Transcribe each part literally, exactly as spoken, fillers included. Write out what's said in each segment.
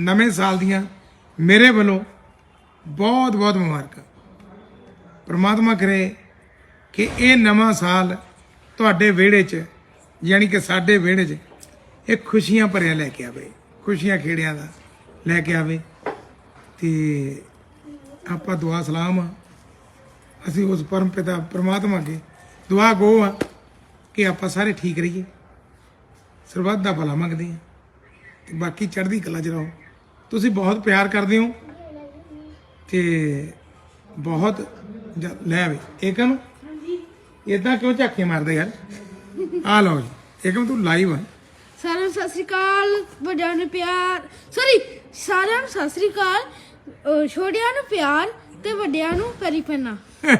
नवे साल दियां मेरे वालों बहुत बहुत मुबारक। परमात्मा करे कि ये नवा साल तुहाडे विहड़े च यानी कि साडे विहड़े च एक खुशियां भरिया लैके आवे, खुशियां खेड़ियां दा लैके आवे। ते आपां दुआ सलाम आ असीं उस परम पिता परमात्मा अगे दुआ गो आ कि आपां सारे ठीक रहिए, सरबत दा भला मंगदे आ ते बाकी चढ़दी कला च रहो। तुसीं बहुत प्यार करदे हो ते बहुत ज- लै वे एकम इदां क्यों झाके मारदे यार। आ लो जी एकम तू लाइव है। ਸਾਰਿਆਂ ਨੂੰ ਸਤਿ ਸ੍ਰੀ ਅਕਾਲ, ਵੱਡਿਆਂ ਨੂੰ ਪਿਆਰ ਸੌਰੀ ਸਾਰਿਆਂ ਨੂੰ ਸਤਿ ਸ੍ਰੀ ਅਕਾਲ, ਅਹ ਛੋਟਿਆਂ ਨੂੰ ਪਿਆਰ ਤੇ ਵੱਡਿਆਂ ਨੂੰ ਪੈਰੀ ਪੈਣਾ।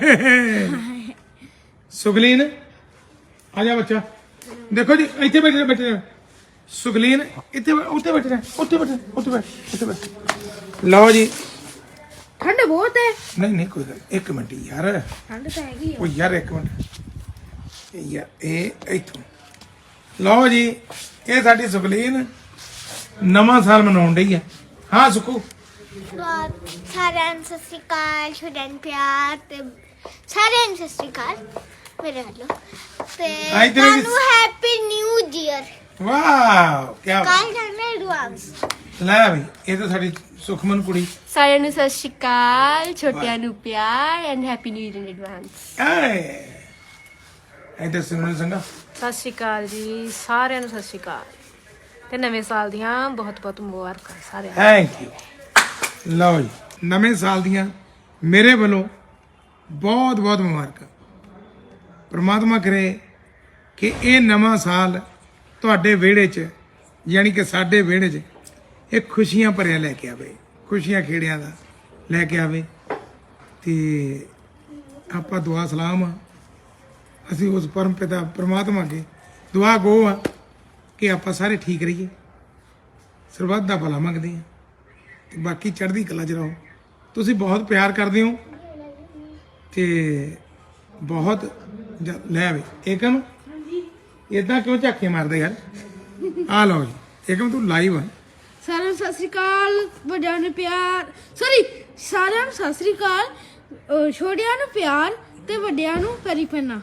सुगलीन आ जा बच्चा, देखो जी इतने बैठे बैठे रहो। सुगलीन इतने उत्ते बैठे रहे, उत्ते बैठे उत्ते बैठ उत्ते बैठ। लो जी ਠੰਡ ਬਹੁਤ ਹੈ। नहीं नहीं कोई गल एक मिनट यार, ਠੰਡ ਤਾਂ ਹੈਗੀ ओ यार एक मिनट यार ए इथों लो जी ये साडी सुगलीन नवा साल मनाउण डई है। हाँ सुखू ਬਹੁਤ ਸਾਰਿਆਂ ਨੂੰ ਸਤਿ ਸ਼੍ਰੀ ਅਕਾਲ, ਛੋਟਿਆਂ ਨੂੰ ਪਿਆਰ ਤੇ ਸਾਰਿਆਂ ਨੂੰ ਸਤਿ ਸ਼੍ਰੀ ਅਕਾਲ ਮੇਰੇ ਵੱਲੋਂ ਤੇ ਆਈ ਤੇਰੇ ਵੀ- ਤੁਹਾਨੂੰ ਹੈਪੀ ਨਿਊ ਈਅਰ। वाह क्या ਕੱਲ ਜਾਣਾ ਐਡਵਾਂਸ। ਲੈ ਬਈ ਇਹ ਤਾਂ ਸਾਡੀ ਸੁਖਮਨ ਕੁੜੀ ਸਾਰਿਆਂ ਨੂੰ ਸਤਿ ਸ਼੍ਰੀ ਅਕਾਲ, ਛੋਟਿਆਂ ਨੂੰ ਪਿਆਰ and happy new year in advance. ਐ ਇਹਦੇ ਸਿਮਰਨ ਸੰਗਾ ਸਤਿ ਸ਼੍ਰੀ ਅਕਾਲ ਜੀ, ਸਾਰਿਆਂ ਨੂੰ ਸਤਿ ਸ਼੍ਰੀ ਅਕਾਲ ਤੇ ਨਵੇਂ ਸਾਲ ਦੀਆਂ ਬਹੁਤ ਬਹੁਤ ਮੁਬਾਰਕਾਂ ਸਾਰਿਆਂ ਨੂੰ। Thank you. ਲਓ ਜੀ ਨਵੇਂ ਸਾਲ ਦੀਆਂ ਮੇਰੇ ਵੱਲੋਂ ਬਹੁਤ ਬਹੁਤ ਮੁਬਾਰਕਾਂ। ਪ੍ਰਮਾਤਮਾ ਕਰੇ ਕਿ ਇਹ ਨਵਾਂ ਸਾਲ ਤੁਹਾਡੇ ਵਿਹੜੇ 'ਚ ਯਾਨੀ ਕਿ ਸਾਡੇ ਵਿਹੜੇ 'ਚ ਇਹ ਖੁਸ਼ੀਆਂ ਭਰਿਆ ਲੈ ਕੇ ਆਵੇ, ਖੁਸ਼ੀਆਂ ਖੇੜਿਆਂ ਦਾ ਲੈ ਕੇ ਆਵੇ। ਤੇ ਆਪਾਂ ਦੁਆ ਸਲਾਮ ਆ ਅਸੀਂ ਉਸ ਪਰਮ ਪਿਤਾ ਪ੍ਰਮਾਤਮਾ ਅੱਗੇ ਦੁਆ ਗੋ ਆ ਕਿ ਆਪਾਂ ਸਾਰੇ ਠੀਕ ਰਹੀਏ, ਸਰਬੱਤ ਦਾ ਭਲਾ ਮੰਗਦੇ ਆ ਤੇ ਬਾਕੀ ਚੜ੍ਹਦੀ ਕਲਾ 'ਚ ਰਹੋ। ਤੁਸੀਂ ਬਹੁਤ ਪਿਆਰ ਕਰਦੇ ਹੋ ਤੇ ਬਹੁਤ ਜ- ਲੈ ਵੇ ਏਕਮ ਇਦਾਂ ਕਿਉਂ ਝਾਕੇ ਮਾਰਦੇ ਯਾਰ। ਆ ਲਓ ਜੀ ਏਕਮ ਤੂੰ ਲਾਈਵ ਹੈ। ਸਾਰਿਆਂ ਨੂੰ ਸਤਿ ਸ੍ਰੀ ਅਕਾਲ, ਵੱਡਿਆਂ ਨੂੰ ਪਿਆਰ ਸੌਰੀ ਸਾਰਿਆਂ ਨੂੰ ਸਤਿ ਸ੍ਰੀ ਅਕਾਲ, ਅਹ ਛੋਟਿਆਂ ਨੂੰ ਪਿਆਰ ਤੇ ਵੱਡਿਆਂ ਨੂੰ ਪੈਰੀ ਪੈਣਾ।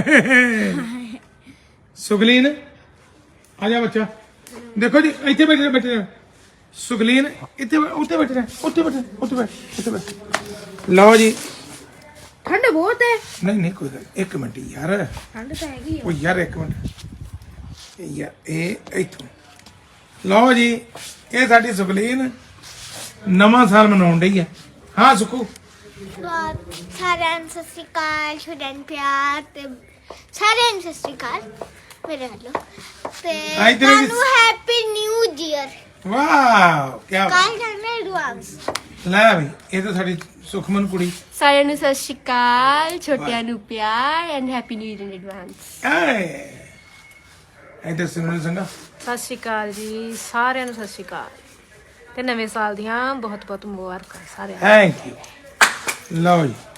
सुगलीन आ जा बच्चा, देखो जी इतने बैठे बैठे रहो। सुगलीन इतने उत्ते बैठे रहे, उत्ते बैठे उत्ते बैठ उत्ते बैठ। लो जी ਠੰਡ ਬਹੁਤ ਹੈ। नहीं नहीं कोई गल एक मिनट यार, ਠੰਡ ਤਾਂ ਹੈਗੀ ओ यार एक मिनट यार ए इथों लो जी ये साडी सुगलीन नवा साल मनाउण डई है। हाँ सुखू ਬਹੁਤ ਸਾਰਿਆਂ ਨੂੰ ਸਤਿ ਸ਼੍ਰੀ ਅਕਾਲ, ਛੋਟਿਆਂ ਨੂੰ ਪਿਆਰ ਤੇ ਸਾਰਿਆਂ ਨੂੰ ਸਤਿ ਸ਼੍ਰੀ ਅਕਾਲ ਮੇਰੇ ਵੱਲੋਂ ਤੇ ਆਈ ਤੇਰੇ ਵੀ- ਤੁਹਾਨੂੰ ਹੈਪੀ ਨਿਊ ਈਅਰ। वाह क्या ਕੱਲ ਜਾਣਾ ਐਡਵਾਂਸ। ਲੈ ਬਈ ਇਹ ਤਾਂ ਸਾਡੀ ਸੁਖਮਨ ਕੁੜੀ ਸਾਰਿਆਂ ਨੂੰ ਸਤਿ ਸ਼੍ਰੀ ਅਕਾਲ, ਛੋਟਿਆਂ ਨੂੰ ਪਿਆਰ and happy new year in advance. ਐ ਇਹਦੇ ਸਿਮਰਨ ਸੰਗਾ ਸਤਿ ਸ਼੍ਰੀ ਅਕਾਲ ਜੀ, ਸਾਰਿਆਂ ਨੂੰ ਸਤਿ ਸ਼੍ਰੀ ਅਕਾਲ ਤੇ ਨਵੇਂ ਸਾਲ ਦੀਆਂ ਬਹੁਤ ਬਹੁਤ ਮੁਬਾਰਕਾਂ ਸਾਰਿਆਂ ਨੂੰ। Thank you. ਲਓ ਜੀ